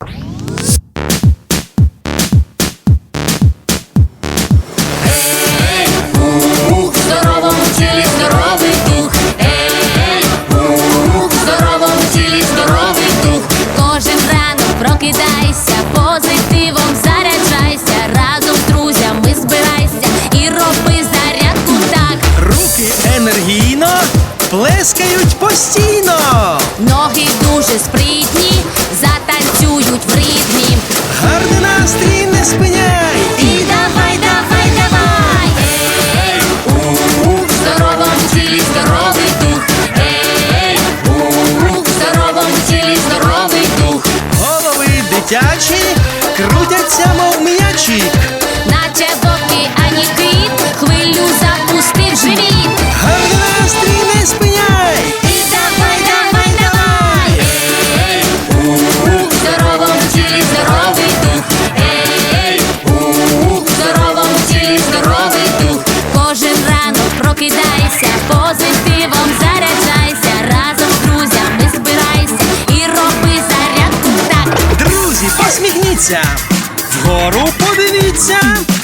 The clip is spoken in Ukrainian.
Прокидайся, позитивом заряджайся, разом з друзями збирайся і роби зарядку так. Руки енергійно плескають постійно. Ноги дуже спритні, затанцюють в ритмі. Гарний настрій не спиняй. І давай, давай, давай. Ей, в здоровому тілі здоровий дух. Ей, в здоровому тілі здоровий дух. Голови дитячі крутяться, мов м'ячі. Наче вовки, ані кит, хвилю запустив живіт. Гарний настрій не спиняй. І давай, давай, давай. Ей, в здоровому тілі здоровий дух. Ей, в здоровому тілі здоровий дух. Кожен ранок прокидайся, позитивом заряджайся, разом з друзями збирайся і роби зарядку так. Друзі, посміхніться, вгору подивіться.